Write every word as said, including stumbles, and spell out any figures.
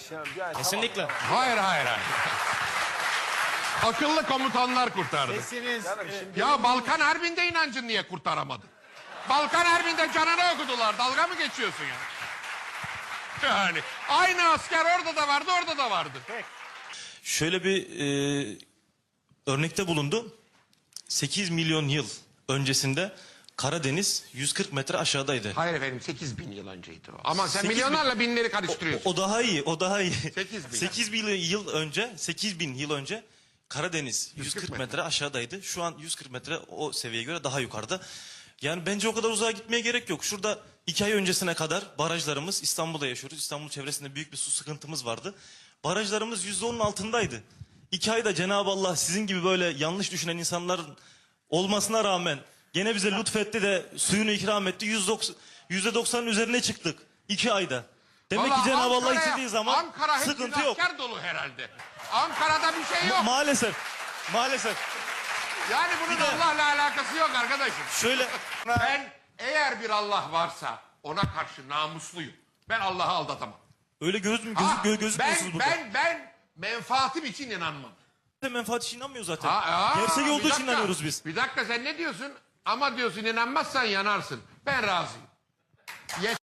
Ya, ya, Kesinlikle. Hayır hayır hayır. Akıllı komutanlar kurtardı. Sesiniz Tamam, e, şimdi Ya Balkan Harbi'nde inancın niye kurtaramadı? Balkan Harbi'nde canını okudular. Dalga mı geçiyorsun ya? Yani aynı asker orada da vardı, orada da vardı. Şöyle bir e, örnekte bulundu. sekiz milyon yıl öncesinde Karadeniz yüz kırk metre aşağıdaydı. Hayır efendim, sekiz bin yıl önceydi o. Ama sen sekiz bin- milyonlarla binleri karıştırıyorsun. O daha iyi, o daha iyi. sekiz bin. sekiz bin yıl önce, sekiz bin yıl önce Karadeniz yüz kırk metre. metre aşağıdaydı. Şu an yüz kırk metre o seviyeye göre daha yukarıda. Yani bence o kadar uzağa gitmeye gerek yok. Şurada iki ay öncesine kadar barajlarımız, İstanbul'da yaşıyoruz. İstanbul çevresinde büyük bir su sıkıntımız vardı. Barajlarımız yüzde onun altındaydı. İki ayda Cenab-ı Allah sizin gibi böyle yanlış düşünen insanların olmasına rağmen gene bize lütfetti de suyunu ikram etti. yüzde doksanın üzerine çıktık iki ayda. Demek Vallahi ki Cenab-ı Allah Ankara'ya- istediği zaman Ankara hepsinin sıkıntı yok. asker dolu herhalde. Ankara'da bir şey yok. Maalesef. Maalesef. Yani bunun Bir de- Allah'la alakası yok arkadaşım. Şöyle Ben eğer bir Allah varsa ona karşı namusluyum. Ben Allah'ı aldatamam. öyle göz mü Ha, gözü, gö gözükmüyorsunuz ben, burada. ben, ben menfaatim için inanmam. Ben menfaat için inanmıyor zaten. Ha, aa, Gerçek bir olduğu için dakika, inanıyoruz biz. Bir dakika, sen ne diyorsun? Ama diyorsun inanmazsan yanarsın. Ben razıyım.